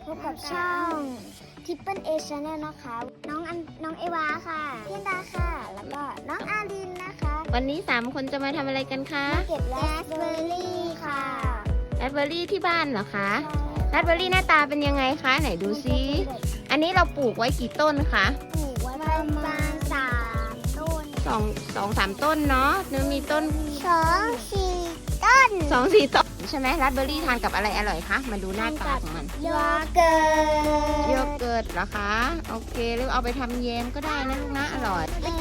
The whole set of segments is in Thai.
พบกับช่องTriple A Channel นะคะน้องเอวาค่ะพี่อันดาค่ะแล้วก็น้องอารินนะคะวันนี้3คนจะมาทำอะไรกันคะมาเก็บราสเบอร์รี่ค่ะราสเบอร์รี่ที่บ้านเหรอคะราสเบอร์รี่หน้าตาเป็นยังไงคะไหนดูซิอันนี้เราปลูกไว้กี่ต้นคะปลูกไว้ประมาณ3 ต้น 2-3 ต้นเนาะนึกมีต้น 2-4 ต้น 2-4 ต้นใช่ไหมราสเบอร์รี่ทานกับอะไรอร่อยคะมาดูหน้าตาของมันโยเกิร์ตโยเกิร์ตเหรอคะโอเคหรือเอาไปทำแยมก็ได้นะลูกนะอร่อย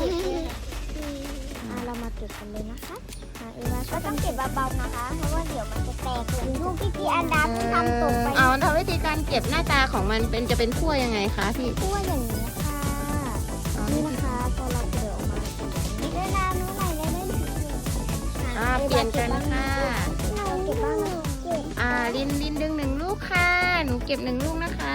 เรามาเก็บกันเลยนะคะเอวาก็ต้องเก็บเบาๆนะคะเพราะว่าเดี๋ยวมันจะแตกเหมือนลูกพี่อันดาที่ทำตกไปเอาทำวิธีการเก็บหน้าตาของมันจะเป็นขั้วยังไงคะพี่ขั้วอย่างนี้ค่ะนี่นะคะพอเราเปิดออกมานี่ได้น้ำนู้นไหนได้เล่นเปลี่ยนกันค่ะเราเก็บบ้างลินดึง1 ลูกค่ะหนูเก็บ1 ลูกนะคะ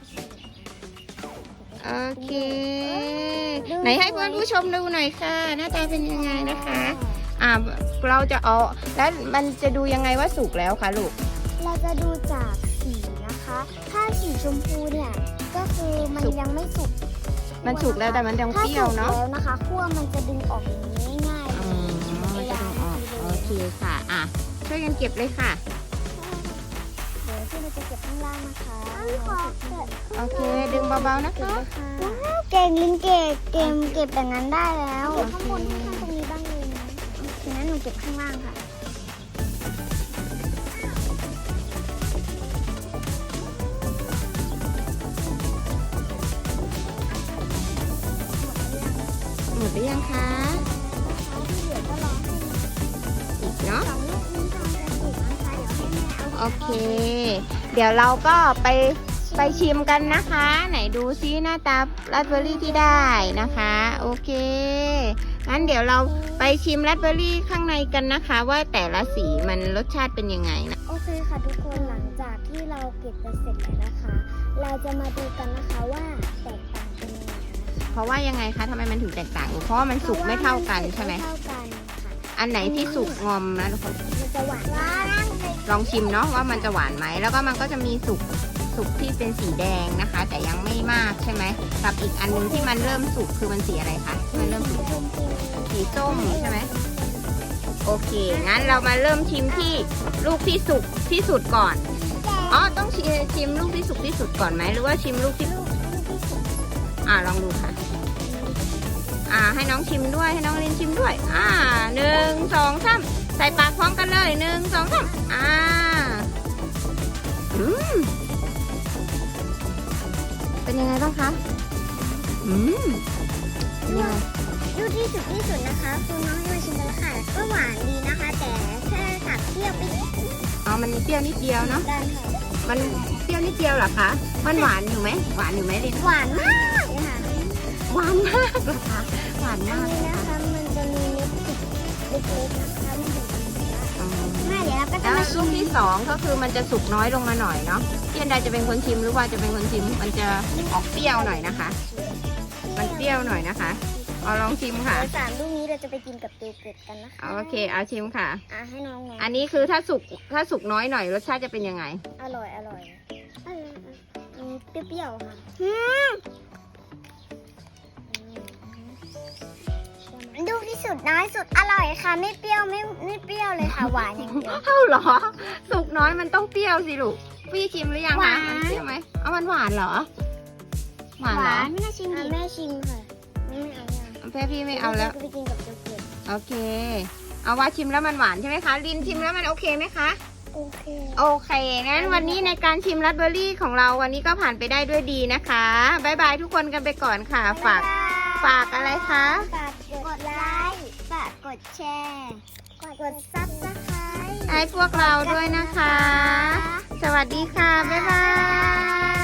โอเคไหนให้เพื่อนผู้ชมดูหน่อยค่ะหน้าตาเป็นยังไงนะคะเราจะเอาแล้วมันจะดูยังไงว่าสุกแล้วคะลูกเราจะดูจากสีนะคะถ้าสีชมพูเนี่ยก็คือมันยังไม่สุกมันสุกแล้วแต่มันยังเปรี้ยวเนาะแล้วนะคะขั้วมันจะดึงออกอย่างนี้ง่ายมันจะดึงออกโอเคค่ะช่วยกันเก็บเลยค่ะเดี๋ยวที่เราจะเก็บข้างล่างนะคะโอเคดึงเบาๆนะคะว้าวเก่งลินเก็บอย่างนั้นได้แล้วเก็บข้างบนข้างตรงนี้บ้างเลยนะทีนั้นหนูเก็บข้างล่างค่ะหมดหรือยังคะที่เหลือก็รอให้อีกเนาะ 2 ลูกนี้ทำจะสุกนะคะเดี๋ยวให้แม่เอาโอเคเดี๋ยวเราก็ไปชิมกันนะคะไหนดูซิหน้าตาราสเบอร์รี่ที่ได้นะคะโอเคงั้นเดี๋ยวเราไปชิมราสเบอร์รี่ข้างในกันนะคะว่าแต่ละสีมันรสชาติเป็นยังไงนะโอเคค่ะทุกคนหลังจากที่เราเก็บไปเสร็จแล้วนะคะเราจะมาดูกันนะคะว่าแตกต่างกันยังไงนะคะเพราะว่ายังไงคะทำไมมันถึงแตกต่างเพราะว่ามันสุกไม่เท่ากันใช่ไหมไม่เท่ากันค่ะอันไหนที่สุกงอมนะทุกคนมันจะหวานลองชิมเนาะว่ามันจะหวานไหมแล้วก็มันก็จะมีสุกที่เป็นสีแดงนะคะแต่ยังไม่มากใช่ไหมกับอีกอันนึงที่มันเริ่มสุกคือมันสีอะไรคะมันเริ่มสุกสีส้มใช่ไหมโอเคงั้นเรามาเริ่มชิมที่ลูกที่สุกที่สุดก่อนต้องชิมลูกที่สุกที่สุดก่อนไหมหรือว่าชิมลูกที่ลองดูค่ะให้น้องชิมด้วยให้น้องลินชิมด้วย1 2 3ใส่ปากพร้อมกันเลย1 2 3เป็นยังไงบ้างคะลูกที่สุดนะคะคือน้องให้มาชิมกันแล้วค่ะก็หวานดีนะคะแต่แค่ตัดเปรี้ยวไปนิดมันเปรี้ยวนิดเดียวเนาะมันเปรี้ยวนิดเดียวเหรอคะมันหวานอยู่ไหมลินหวานมากเลยค่ะหวานมากเหรอคะหวานมากนี่นะคะมันจะมีเม็ดเล็กๆนะคะมันอยู่เดี๋ยวเราก็จะมาชิมลูกที่2ก็คือมันจะสุกน้อยลงมาหน่อยเนาะพี่อันดาจะเป็นคนชิมหรือว่าจะเป็นคนชิมมันจะออกเปรี้ยวหน่อยนะคะมันเปรี้ยวหน่อยนะคะลองชิมค่ะ 3 ลูกนี้เราจะไปกินกับโยเกิร์ตกันนะคะโอเคเอาชิมค่ะให้น้องอันนี้คือถ้าสุกน้อยหน่อยรสชาติจะเป็นยังไงอร่อยเปรี้ยวๆค่ะลูกที่สุดน้อยสุดอร่อยค่ะไม่เปรี้ยวไม่เปรี้ยวเลยค่ะหวานอย่างเดียวเหรอสุกน้อยมันต้องเปรี้ยวสิลูกพี่ชิมหรือยังคะมันเปรี้ยวไหมมันหวานเหรอหวานเหรอแม่ชิมค่ะไม่เอาพี่ไม่เอาแล้วไปกินกับโยเกิร์ตโอเคเอาว่าชิมแล้วมันหวานใช่ไหมคะลินชิมแล้วมันโอเคไหมคะโอเคงั้นวันนี้ในการชิมราสเบอร์รี่ของเราวันนี้ก็ผ่านไปได้ด้วยดีนะคะบ๊ายบายทุกคนกันไปก่อนค่ะฝากอะไรคะฝากกดไลค์ฝากกดแชร์กดซับสไครต์ให้พวกเราด้วยนะคะสวัสดีค่ะบ๊ายบาย